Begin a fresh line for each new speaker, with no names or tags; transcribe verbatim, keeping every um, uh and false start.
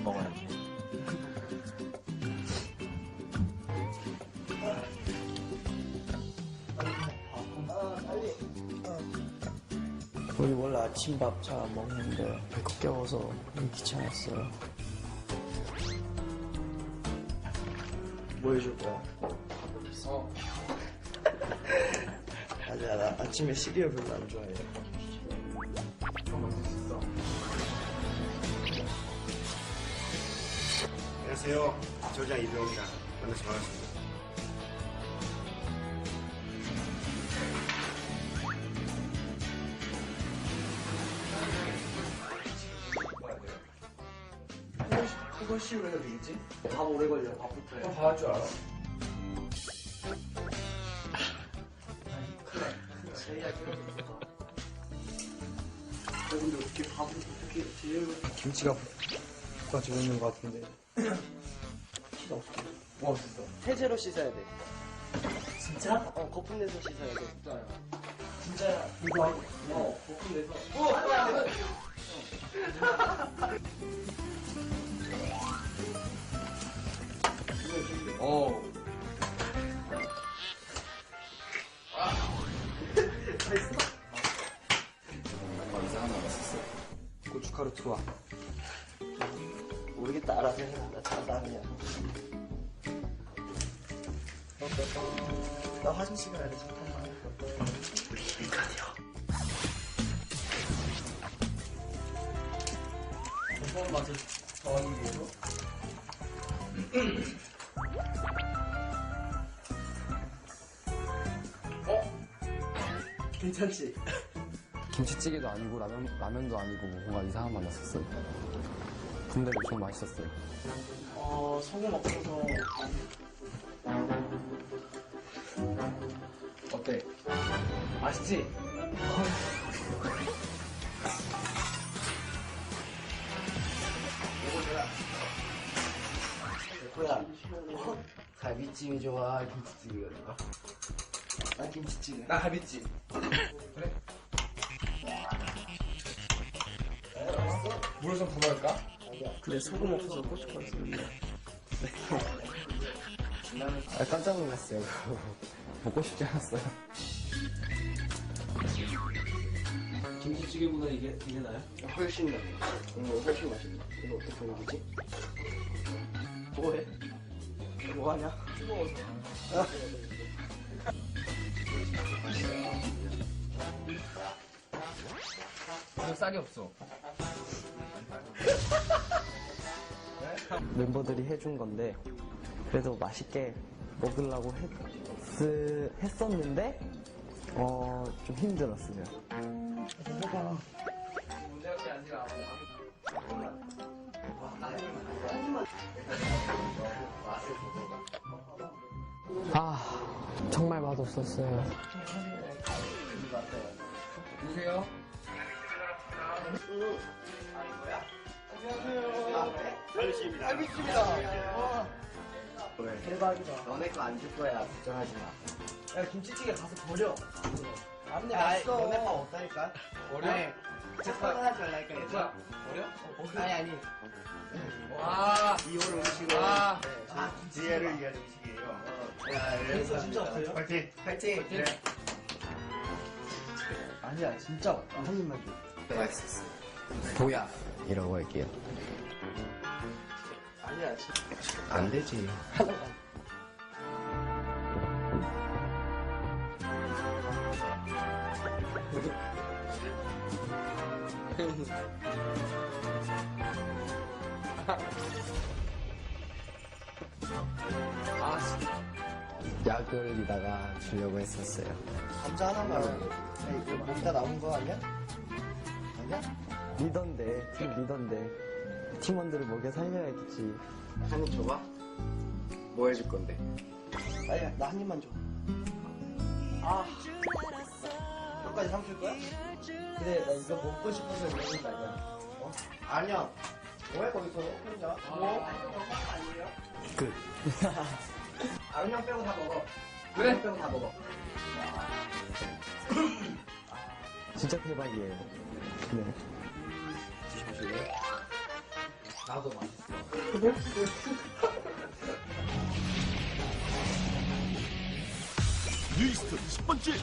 먹어야지.
우리 원래 아침밥 잘 안 먹는데 배꼽 깨워서 귀찮았어요. 뭐 해줄 거야?
어.
아니야, 나 아침에 시리얼 별로 안 좋아해.
안녕하세요. 조장 이병입니다. 만나서 반갑습니다.
후거식으로 해도 되겠지? 밥 오래 걸려, 밥부터 해.
다 할 줄 알아?
근데 어떻게 밥을 어떻게 제일 김치가 가지고 있는 것 같은데 키가 어떻게
뭐 없었어?
세제로 씻어야 돼.
진짜?
어, 거품 내서 씻어야 돼.
진짜요.
진짜야. 이거 어, 거품 내서.
어.
고춧가루 투하. 모르겠다, 알아서 해. 나 잘한다, 그냥. 나 화장실 가야 돼, 잠깐만. 인간이요.
무서운 맛을 더하기 위해서? 어?
괜찮지?
김치찌개도 아니고 라면, 라면도 아니고 뭔가 이상한 맛 났었어요. 근데 엄청 맛있었어요.
어, 소금 없어서.
어때? 맛있지?
뭐야? 어? 갈비찜이 좋아? 김치찌개가 좋아? 난 김치찌개.
나 갈비찜. 그래? 물을 좀 더 넣을까?
근데 소금 없어서 고춧가루 쓰는데.
아, 깜짝 놀랐어요. 먹고 싶지 않았어요.
김치찌개보다 이게, 이게 나요? 훨씬 나. 이거 훨씬 맛있네. 이거 어떻게 먹이지? 뭐해? 뭐하냐?
뜨거워서. 이거 쌀이 없어.
멤버들이 해준 건데 그래도 맛있게 먹으려고 했, 했었는데 어, 좀 힘들었어요.
문제가 그게 아니라.
아, 정말 맛없었어요.
누구세요?
알겠습니다.
대박이다.
너네 거 안 줄 거야. 걱정하지 마.
야, 김치찌개 가서 버려. 안돼,
아,
맛있어.
너네 거 없다니까.
어려?
아니, 착각을 하지 말라니까.
얘들아, 어려?
아니, 아니.
와.
이호를 음식으로.
아.
아, 지혜를 위한 음식이에요. 야,
그래서 진짜 없어요?
파이팅.
파이팅.
네.
아니야, 진짜 없다. 한 입만 줘.
맛있었어.
보야! 이라고 할게요.
아니야, 진짜.
안 되지.
하나만.
아, 진짜.
약을리다가 주려고 했었어요.
감자 하나만. 야, 이거 먹다 남은 거 아니야? 아니야? 리더인데, 팀 리더인데. 팀원들을 먹여 살려야겠지.
한 입 줘봐. 뭐 해줄 건데?
아니야, 나 한 입만 줘. 아. 끝까지 삼킬 거야? 그래, 나 이거 먹고 싶어서 이러는 거 아니야. 어?
아니야. 왜 거기서 혼자? 뭐? 아니에요?
끝.
아은 형 빼고 다 먹어.
왜?
아은 형 빼고 다 먹어.
진짜 대박이에요. 네.
드셔보실래요?
나도 맛있어.
뉴이스트 십 번째